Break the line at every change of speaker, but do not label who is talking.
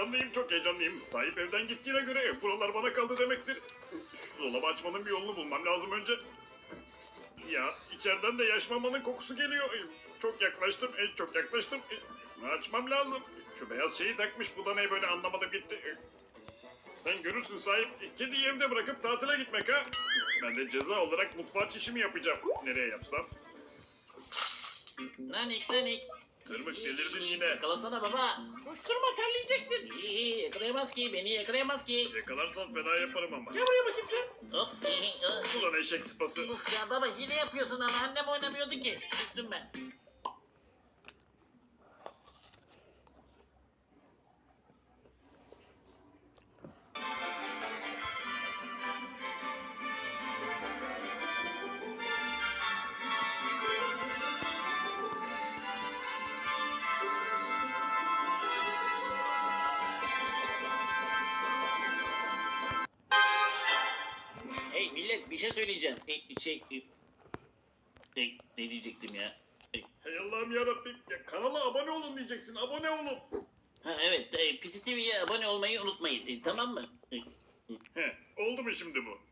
çok heyecanlıyım. Sahip evden gittiğine göre buralar bana kaldı demektir. Şu dolabı açmanın bir yolunu bulmam lazım önce. Ya içeriden de yaş mamanın kokusu geliyor. Çok yaklaştım, çok yaklaştım. Şunu açmam lazım. Şu beyaz şeyi takmış, bu da ne böyle anlamadım gitti. Sen görürsün sahip, kediyi evde bırakıp tatile gitmek ha. Ben de ceza olarak mutfağa çişimi yapacağım. Nereye yapsam?
Nanik nanik.
Tırmık delirdin yine.
Yakalasana baba.
Koşturma terleyeceksin.
İyi, yakalayamaz ki, beni yakalayamaz ki.
Yakalarsan fena yaparım ama.
Gel buraya bakayım sen.
Hop.
Ulan eşek sıpası.
Uf ya baba hile yapıyorsun ama annem oynamıyordu ki. Küstüm ben. Hey millet bir şey söyleyeceğim. Ne diyecektim ya?
Hey Allah'ım yarabbim. Ya kanala abone olun diyeceksin. Abone olun.
Ha evet, Pisi TV'ye abone olmayı unutmayın. Tamam mı?
He, oldu mu şimdi bu?